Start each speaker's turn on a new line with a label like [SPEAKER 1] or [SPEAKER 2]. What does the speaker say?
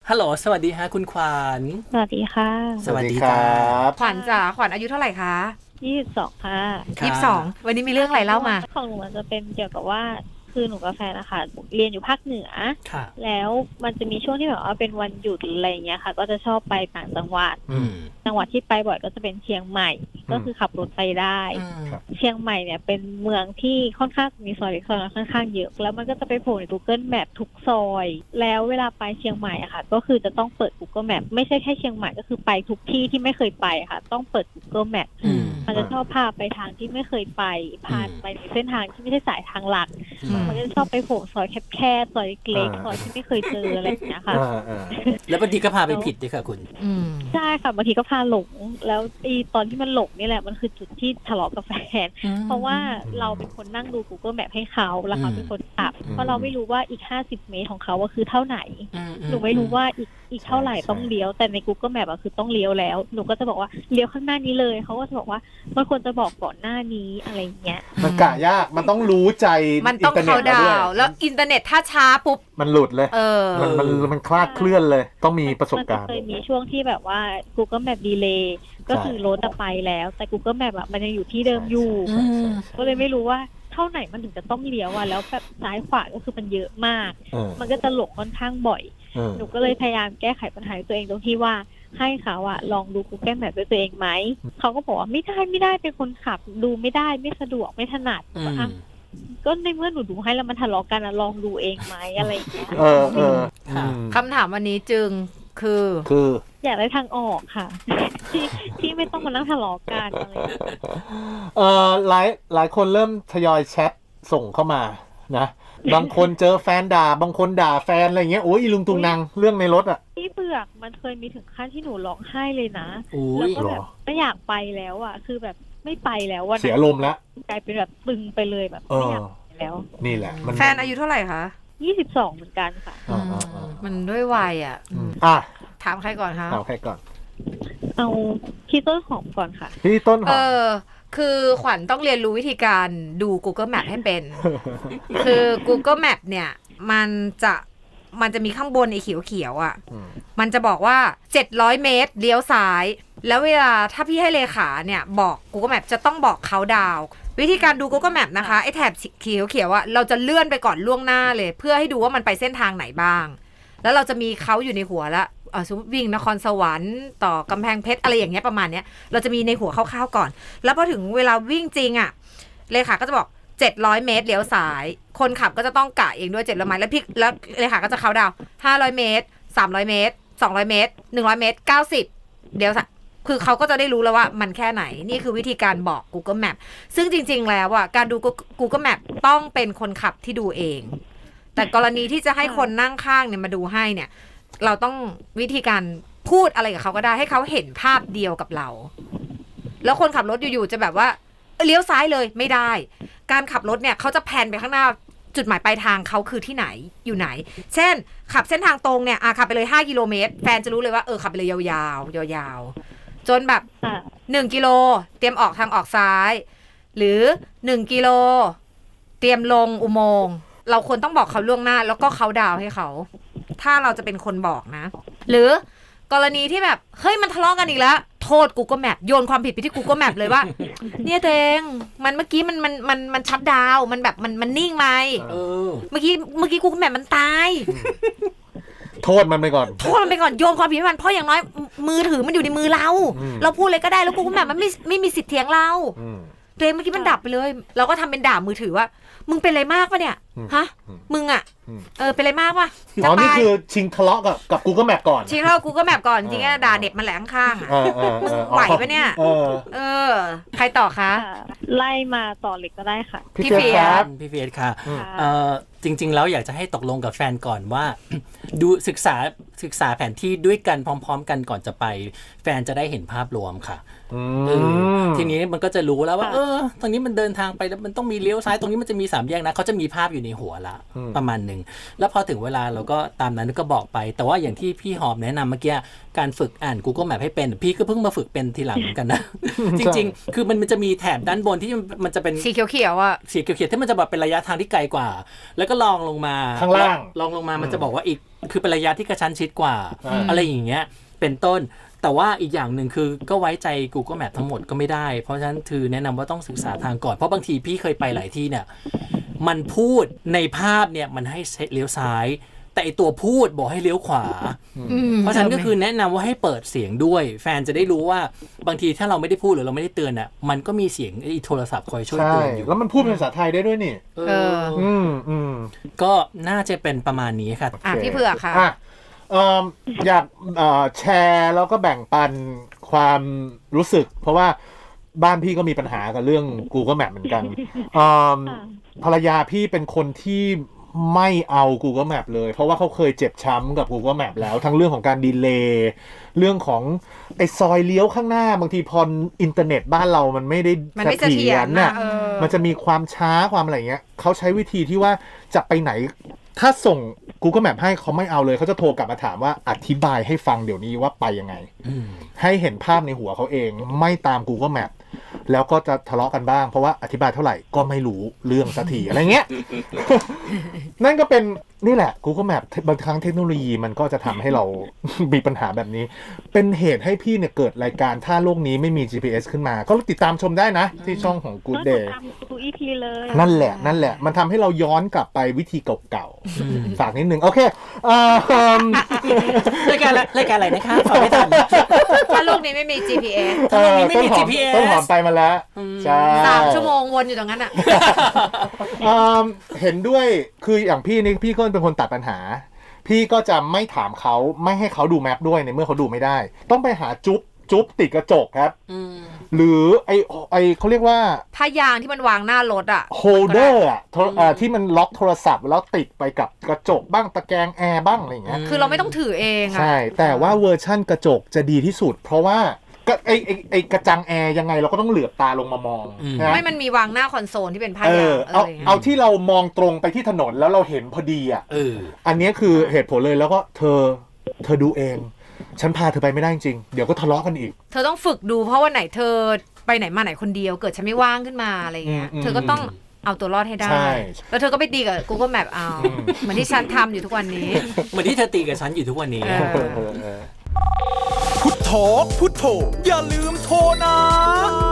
[SPEAKER 1] ฮัลโหลสวัสดีฮะคุณขวัญ
[SPEAKER 2] สวัสดีค่ะ
[SPEAKER 1] สวัสดีครับ
[SPEAKER 3] ขวัญจ๋าขวัญอายุเท่าไหร่คะ
[SPEAKER 2] 22ค่ะ
[SPEAKER 3] 22วันนี้มีเรื่องอะไรเล่ามา
[SPEAKER 2] ของหนูมันจะเป็นเกี่ยวกับว่าคือหนูกับแฟนนะคะเรียนอยู่ภาคเหนือแล้วมันจะมีช่วงที่แบบว่าเป็นวันหยุดอะไรอย่างเงี้ยค่ะก็จะชอบไปต่างจังหวัดจังหวัดที่ไปบ่อยก็จะเป็นเชียงใหม่ก็คือขับรถไปได้เชียงใหม่เนี่ยเป็นเมืองที่ค่อนข้างมีซอยเล็กซอยน้อยค่อนข้างเยอะแล้วมันก็จะไปโผล่ใน Google Map ทุกซอยแล้วเวลาไปเชียงใหม่อะค่ะก็คือจะต้องเปิด Google Map ไม่ใช่แค่เชียงใหม่ก็คือไปทุกที่ที่ไม่เคยไปค่ะต้องเปิด Google Map มันจะชอบพาไปทางที่ไม่เคยไปพาไปในเส้นทางที่ไม่ใช่สายทางหลักมันก็จะชอบไปโผล่ซอยแคบๆซอยเล็กๆซอยที่ไม่เคยเจออะไรอย่างเงี้ยค่ะ
[SPEAKER 1] แล้วบางทีก็พาไปผิดด้วยค่ะคุณ
[SPEAKER 2] ใช่ค่ะบางทีก็พาหลงแล้วตอนที่มันหลงนี่แหละมันคือจุดที่ทะเลาะกับแฟนเพราะว่าเราเป็นคนนั่งดู Google Map ให้เขาแล้วเขาเป็นคนขับเพราะเราไม่รู้ว่าอีก50 เมตรของเขาว่าคือเท่าไหนหนูไม่รู้ว่าอีกเท่าไหร่ต้องเลี้ยวแต่ใน Google Map คือต้องเลี้ยวแล้วหนูก็จะบอกว่าเลี้ยวข้างหน้านี้เลยเขาก็จะบอกว่ามันควรจะบอกก่อนหน้านี้อะไรเงี้ย
[SPEAKER 4] มันกะยากมันต้องรู้ใจ
[SPEAKER 3] มันต้องเข้าดาวแล้วอินเทอร์เน็ตถ้าช้าปุ๊บ
[SPEAKER 4] มันหลุดเลยมันคลาดเคลื่อนเลยต้องมีประสบการณ์
[SPEAKER 2] มันเคยมีช่วงที่แบบว่า Google Map delay ก็คือรถไปแล้วแต่ Google Map มันยังอยู่ที่เดิมอยู่ก็เลยไม่รู้ว่าเท่าไหนมันถึงจะต้องเลี้ยวแล้วแบบซ้ายขวาก็คือมันเยอะมากมันก็จะหลงค่อนข้างบ่อยหนูก็เลยพยายามแก้ไขปัญหาตัวเองตรงที่ว่าให้เขาลองดู Google Map ด้วยตัวเองไหมเขาก็บอกว่าไม่ได้เป็นคนขับดูไม่ได้ไม่สะดวกไม่ถนัดก็ในเมื่อหนูดูให้แล้วมันทะเลาะกันลองดูเองไหมอะไรอย่างเงี้ย
[SPEAKER 3] คำถามวันนี้จึงคือ
[SPEAKER 2] อยากได้ทางออกค่ะ ที่ไม่ต้องมานั่งทะเลาะกันอะไร
[SPEAKER 4] หลายคนเริ่มทยอยแชทส่งเข้ามานะบางคนเจอแฟนด่าบางคนด่าแฟนอะไรเงี้ยโอ้ยอีลุงตุงนางเรื่องในรถ
[SPEAKER 2] พี่เบือกมันเคยมีถึงขั้นที่หนูร้องไห้เลยนะแล้วก็แบบไม่อยากไปแล้วคือแบบไม่ไปแล้ว
[SPEAKER 4] เสียลมแล้ว
[SPEAKER 2] กลายเป็นแบบตึงไปเลยแบบไม่อยากไปแล้ว
[SPEAKER 4] นี่แหละ
[SPEAKER 3] แฟนอายุเท่าไหร่คะ
[SPEAKER 2] 22เหมือนกันค่ะ
[SPEAKER 3] มันด้วยวัยถามใครก่อนคะ
[SPEAKER 4] ถามใครก่อน
[SPEAKER 2] เอาพี่ต้นหอมก่อนค่ะ
[SPEAKER 4] พี่ต้นหอม
[SPEAKER 3] คือขวัญต้องเรียนรู้วิธีการดู Google Map ให้เป็น คือ Google Map เนี่ยมันจะมีข้างบนไอ้เขียวมันจะบอกว่า700 เมตรเลี้ยวซ้ายแล้วเวลาถ้าพี่ให้เลขาเนี่ยบอก Google Map จะต้องบอกเขาดาววิธีการดู Google Map นะคะไอ้แถบเขียวเราจะเลื่อนไปก่อนล่วงหน้าเลยเพื่อให้ดูว่ามันไปเส้นทางไหนบ้างแล้วเราจะมีเขาอยู่ในหัวแล้วสมมติวิ่งนครสวรรค์ต่อกำแพงเพชรอะไรอย่างเงี้ยประมาณเนี้ยเราจะมีในหัวคร่าวๆก่อนแล้วพอถึงเวลาวิ่งจริงเลขาก็จะบอก700 เมตรเลี้ยวซ้ายคนขับก็จะต้องกะเองด้วย700 เมตรแล้วเลขาก็จะเขาดาว500 เมตร300 เมตร200 เมตร100 เมตร90เดี๋ยวคือเขาก็จะได้รู้แล้วว่ามันแค่ไหนนี่คือวิธีการบอก Google Map ซึ่งจริงๆแล้วการดู Google Map ต้องเป็นคนขับที่ดูเองแต่กรณีที่จะให้คนนั่งข้างเนี่ยมาดูให้เนี่ยเราต้องวิธีการพูดอะไรกับเขาก็ได้ให้เขาเห็นภาพเดียวกับเราแล้วคนขับรถอยู่ๆจะแบบว่าเลี้ยวซ้ายเลยไม่ได้การขับรถเนี่ยเขาจะแพนไปข้างหน้าจุดหมายปลายทางเขาคือที่ไหนอยู่ไหนเช่นขับเส้นทางตรงเนี่ยขับไปเลย5 กิโลเมตรแฟนจะรู้เลยว่าขับไปเลยยาวๆจนแบบ1 กิโลเตรียมออกทางออกซ้ายหรือ1 กิโลเตรียมลงอุโมงค์เราควรต้องบอกเขาล่วงหน้าแล้วก็เขาดาวให้เขาถ้าเราจะเป็นคนบอกนะหรือกรณีที่แบบเฮ้ยมันทะเลาะกันอีกแล้วโทษ Google Map โยนความผิดไปที่ Google Map เลยว่าเนี่ยตัวเองมันเมื่อกี้มันชัตดาวน์มันแบบมันนิ่งไหมเมื่อกี้ Google Map มันตาย
[SPEAKER 4] โทษมันไปก่อน
[SPEAKER 3] โยนความผิดให้มันเพราะอย่างน้อยมือถือมันอยู่ในมือเราพูดเลยก็ได้แล้ว Google Map มันไม่มีสิทธิ์เถียงเราตัวเองเมื่อกี้มันดับไปเลยเราก็ทำเป็นด่ามือถือว่ามึงเป็นอะไรมากปะเนี่ยฮะมึงเป็นอะไรมากปะ
[SPEAKER 4] นี่คือชิงทะเลาะกับ Google Map ก่อน
[SPEAKER 3] ชิงทะเลาะ Google Map ก่อนจริงๆด่าเด็บมันแหลงข้างมึงไหวปะเนี่ยใครต่อคะ
[SPEAKER 2] ไล่มาต่อเลยก็ได้ค่ะ
[SPEAKER 3] พี่เฟีย
[SPEAKER 1] สค่ะจริงๆแล้วอยากจะให้ตกลงกับแฟนก่อนว่าดูศึกษาแผนที่ด้วยกันพร้อมๆกันก่อนจะไปแฟนจะได้เห็นภาพรวมค่ะทีนี้มันก็จะรู้แล้วว่าตรงนี้มันเดินทางไปแล้วมันต้องมีเลี้ยวซ้ายตรงนี้มันจะมี3 แยกนะเขาจะมีภาพอยู่ในหัวละประมาณนึงแล้วพอถึงเวลาเราก็ตามนั้นก็บอกไปแต่ว่าอย่างที่พี่หอมแนะนำเมื่อกี้การฝึกอ่าน Google Map ให้เป็นพี่ก็เพิ่งมาฝึกเป็นทีหลังเหมือนกันนะจริงๆคือมันจะมีแถบด้านบนที่มันจะเป็น
[SPEAKER 3] สีเขียว
[SPEAKER 1] สีเขียวที่มันจะแบบเป็นระยะทางที่ไกลกว่าแล้วก็ลองลงมา
[SPEAKER 4] ข้างล่าง
[SPEAKER 1] ลองลงมามันจะบอกว่าอีกคือเป็นระยะที่กระชั้นชิดกว่าอะไรอย่างเงี้ยเป็นต้นแต่ว่าอีกอย่างหนึ่งคือก็ไว้ใจ Google Map ทั้งหมดก็ไม่ได้เพราะฉะนั้นคือแนะนำว่าต้องศึกษาทางก่อนเพราะบางทีพี่เคยไปหลายที่เนี่ยมันพูดในภาพเนี่ยมันให้เลี้ยวซ้ายแต่ไอตัวพูดบอกให้เลี้ยวขวาเพราะฉะนั้นก็คือแนะนำว่าให้เปิดเสียงด้วยแฟนจะได้รู้ว่าบางทีถ้าเราไม่ได้พูดหรือเราไม่ได้เตือนอ่ะมันก็มีเสียงไอโทรศัพท์คอยช่วยเตือนอยู่
[SPEAKER 4] แล้วมันพูดเป็นภาษาไทยได้ด้วยนี่
[SPEAKER 1] ก็น่าจะเป็นประมาณนี้ค่ะ
[SPEAKER 3] พี่เผือกค่ะ
[SPEAKER 4] อยากแชร์แล้วก็แบ่งปันความรู้สึกเพราะว่าบ้านพี่ก็มีปัญหากับเรื่อง Google Map เหมือนกันภรรยาพี่เป็นคนที่ไม่เอา Google Map เลยเพราะว่าเขาเคยเจ็บช้ำกับ Google Map แล้วทั้งเรื่องของการดีเลย์เรื่องของไอ้ซอยเลี้ยวข้างหน้าบางทีพออินเทอร์เน็ตบ้านเรามันไม่ได้เสถียรน่ะมันจะมีความช้าความอะไรเงี้ยเขาใช้วิธีที่ว่าจะไปไหนถ้าส่ง Google Map ให้เขาไม่เอาเลยเขาจะโทรกลับมาถามว่าอธิบายให้ฟังเดี๋ยวนี้ว่าไปยังไงให้เห็นภาพในหัวเขาเองไม่ตาม Google Map แล้วก็จะทะเลาะกันบ้างเพราะว่าอธิบายเท่าไหร่ก็ไม่รู้เรื่องสักทีอะไรเงี้ย นั่นก็เป็นนี่แหละ Google Map บางครั้งเทคโนโลยีมันก็จะทำให้เรา มีปัญหาแบบนี้เป็นเหตุให้พี่เนี่ยเกิดรายการถ้าโลกนี้ไม่มี GPS ขึ้นมาก็ติดตามชมได้นะที่ช่องของ Good Day
[SPEAKER 2] ทุก EP เลย
[SPEAKER 4] นั่นแหละมันทำให้เราย้อนกลับไปวิธีเก่าๆฝากนิดนึงโอเค
[SPEAKER 1] รายการอะไรนะคะฝากไม่ทัน
[SPEAKER 3] ถ้าโลกนี้ไม่มี GPS
[SPEAKER 1] ถ้าโลกนี้ไม่มี GPS
[SPEAKER 4] ต้นหอมไปมาแล้วใช่
[SPEAKER 3] 3 ชั่วโมงวนอยู่ตรงนั้นอ่ะ
[SPEAKER 4] เห็นด้วยคืออย่างพี่นี่พี่ก็เป็นคนตัดปัญหาพี่ก็จะไม่ถามเขาไม่ให้เขาดูแมพด้วยในเมื่อเขาดูไม่ได้ต้องไปหาจุ๊บติดกระจกครับหรือไอเขาเรียกว่า
[SPEAKER 3] ผ้ายางที่มันวางหน้ารถอะ
[SPEAKER 4] โฮลเดอร์อะที่มันล็อกโทรศัพท์แล้วติดไปกับกระจกบ้างตะแกรงแอร์บ้างอะไรอย่างเงี้ย
[SPEAKER 3] คือเราไม่ต้องถือเอง
[SPEAKER 4] อะใช่แต่ว่าเวอร์ชั่นกระจกจะดีที่สุดเพราะว่าไอกระจังแอร์ยังไงเราก็ต้องเหลือบตาลงมามอง
[SPEAKER 3] ไม่มันมีวางหน้าคอนโซลที่เป็นผ้ายาง
[SPEAKER 4] เอาที่เรามองตรงไปที่ถนนแล้วเราเห็นพอดีอ่ะอันนี้คือเหตุผลเลยแล้วก็เธอดูเองฉันพาเธอไปไม่ได้จริงเดี๋ยวก็ทะเลาะกันอีก
[SPEAKER 3] เธอต้องฝึกดูเพราะว่าไหนเธอไปไหนมาไหนคนเดียวเกิดฉันไม่ว่างขึ้นมาอะไรเงี้ยเธอก็ต้องเอาตัวรอดให้ได้แล้วเธอก็ไปตีกับ Google Map เอาเหมือนที่ฉันทำอยู่ทุกวันนี้
[SPEAKER 1] เหมือนที่เธอตีกับฉันอยู่ทุกวันนี้
[SPEAKER 5] พุทโธอย่าลืมโทรนะ